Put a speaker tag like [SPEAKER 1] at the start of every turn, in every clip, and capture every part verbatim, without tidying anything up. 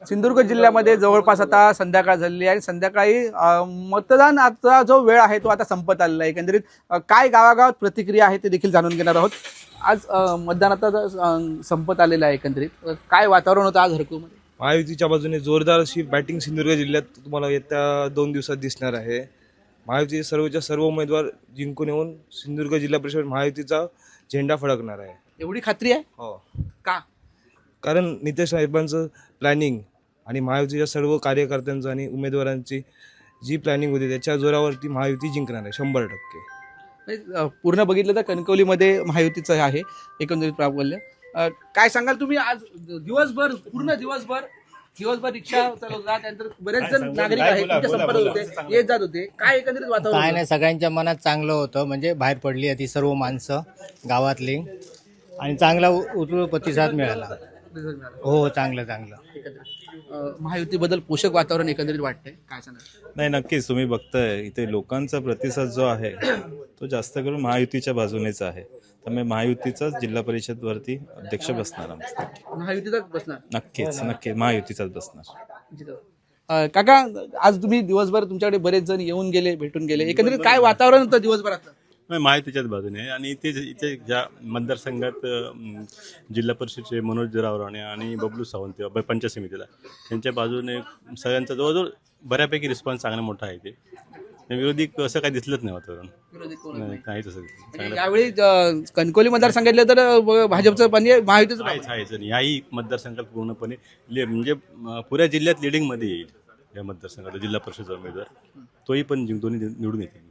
[SPEAKER 1] सिंधुदुर्ग जिल्ह्यामध्ये जवळपास आता संध्याकाळ झालेली आहे आणि संध्याकाळी अ, मतदानाचा जो वेळ आहे तो आता संपत आलेला आहे। एकंदरीत अ, काय गावागावात प्रतिक्रिया आहे ते देखील जाणून घेणार आहोत। आज अ, मतदान आता अ, संपत आलेलं आहे। एकंदरीत अ, काय वातावरण होतं आज हरकूमध्ये?
[SPEAKER 2] महायुतीच्या बाजूने जोरदार अशी बॅटिंग सिंधुदुर्ग जिल्ह्यात तुम्हाला येत्या दोन दिवसात दिसणार आहे। महायुतीचे सर्वच्या सर्व उमेदवार जिंकून येऊन सिंधुदुर्ग जिल्हा परिषद महायुतीचा झेंडा फडकणार आहे।
[SPEAKER 1] एवढी खात्री आहे
[SPEAKER 2] हो,
[SPEAKER 1] का?
[SPEAKER 2] कारण नितेश साहेबांचं प्लॅनिंग आणि महायुतीच्या सर्व कार्यकर्त्यांचं आणि उमेदवारांची जी प्लॅनिंग होती त्याच्या जोरावरती महायुती जिंकणार आहे शंभर टक्के।
[SPEAKER 1] म्हणजे, अ, पूर्ण बघितलं तर कणकवलीमध्ये महायुतीचं आहे एकंदरीत प्राबल्य। अ, काय सांगाल तुम्ही? आज दिवसभर पूर्ण दिवसभर दिवसभर रिक्षा चालवता, त्यानंतर बरेच जण नागरिक आहेत तुमच्या संपर्कात होते, येत जात होते, काय एकंदरीत वातावरण
[SPEAKER 3] काय
[SPEAKER 1] होतं?
[SPEAKER 3] नाही, सगळ्यांच्या मनात चांगलं होतं, म्हणजे बाहेर पडली आहे ती सर्व माणसं गावातली आणि चांगला उ- उत्स्फूर्त प्रतिसाद मिळाला। हो, चांगलं चांगलं
[SPEAKER 1] अ, महायुतीबद्दल पोषक वातावरण एकंदरीत वाटतंय, काय सांगाल?
[SPEAKER 4] नाही, नक्कीच तुम्ही बघताय इथे लोकांचा प्रतिसाद जो आहे तो जास्त करून महायुतीच्या बाजूनेच आहे। त्यामुळे महायुतीचाच जिल्हा परिषद वरती अध्यक्ष बसणार आमचा।
[SPEAKER 1] महायुतीचाच बसणार?
[SPEAKER 4] नक्कीच नक्की महायुतीचाच बसणार।
[SPEAKER 1] अ, काका, आज तुम्ही दिवसभर तुमच्याकडे बरेच जण येऊन गेले, भेटून गेले, एकंदरीत काय वातावरण होतं दिवसभरात?
[SPEAKER 5] नाही, महायुतीच्याच बाजूने आहे आणि इथे इथे ज्या मतदारसंघात अं, जिल्हा परिषदचे मनोज रावराणे आणि बबलू सावंत ब- पंचायत समितीला त्यांच्या बाजूने सगळ्यांचा जवळजवळ बऱ्यापैकी रिस्पॉन्स चांगला मोठा आहे। ते विरोधी असं काही दिसलंच नाही वातावरण, नाही काही तसं चांगलं
[SPEAKER 1] यावेळी अ, कणकवली मतदार सांगितलं तर अ, भाजपचं पण आहे, महायुतीचं पण आहे.
[SPEAKER 5] आहेच आहेच आणि याही मतदारसंघात पूर्णपणे ले- म्हणजे अं, पुऱ्या जिल्ह्यात लिडिंगमध्ये येईल या मतदारसंघात जिल्हा परिषद उमेदवार तोही पण जिंक- दोन्ही निवडून येतील।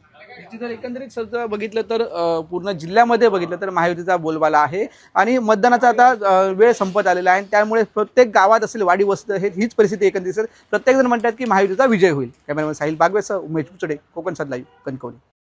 [SPEAKER 1] जर एकंदरीत सध्या बघितलं तर अ, पूर्ण जिल्ह्यामध्ये बघितलं तर महायुतीचा बोलबाला आहे आणि मतदानाचा आता अ, वेळ संपत आलेला आहे आणि त्यामुळे प्रत्येक गावात असेल वाडी वस्त हे हीच परिस्थिती एकंदरीत प्रत्येक जण म्हणतात की महायुतीचा विजय होईल। कॅमेरामॅन साहिल बागवेसह उमेश पुचडे, कोकण सात लाईव्ह, कणकवली।